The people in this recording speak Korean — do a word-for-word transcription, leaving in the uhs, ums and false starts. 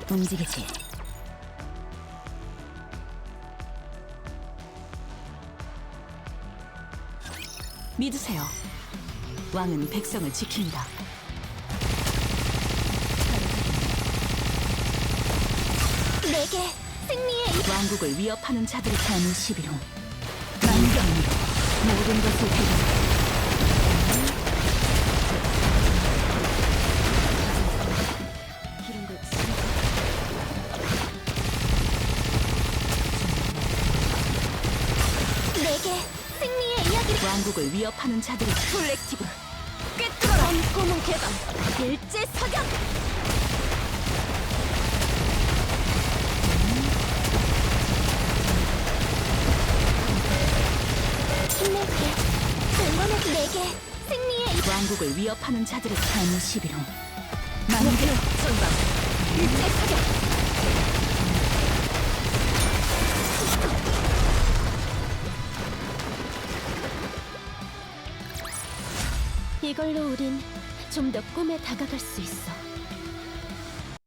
움직이지. 믿으세요. 왕은 백성을 지킵니다. 내게 승리의 이 왕국을 위협하는 자들의 삶의 시비로 만경으로 모든 것을 해결. 내게 승리의 이야기를 왕국을 위협하는 자들의 콜렉티브 꿰뚫어라. 검고문 개방 일제 사격. 힘낼게. 응원해. 내게 승리의 이 왕국을 위협하는 자들의 삶의 시비로 목표 만경. 전방 일제 사격. 이걸로 우린 좀 더 꿈에 다가갈 수 있어.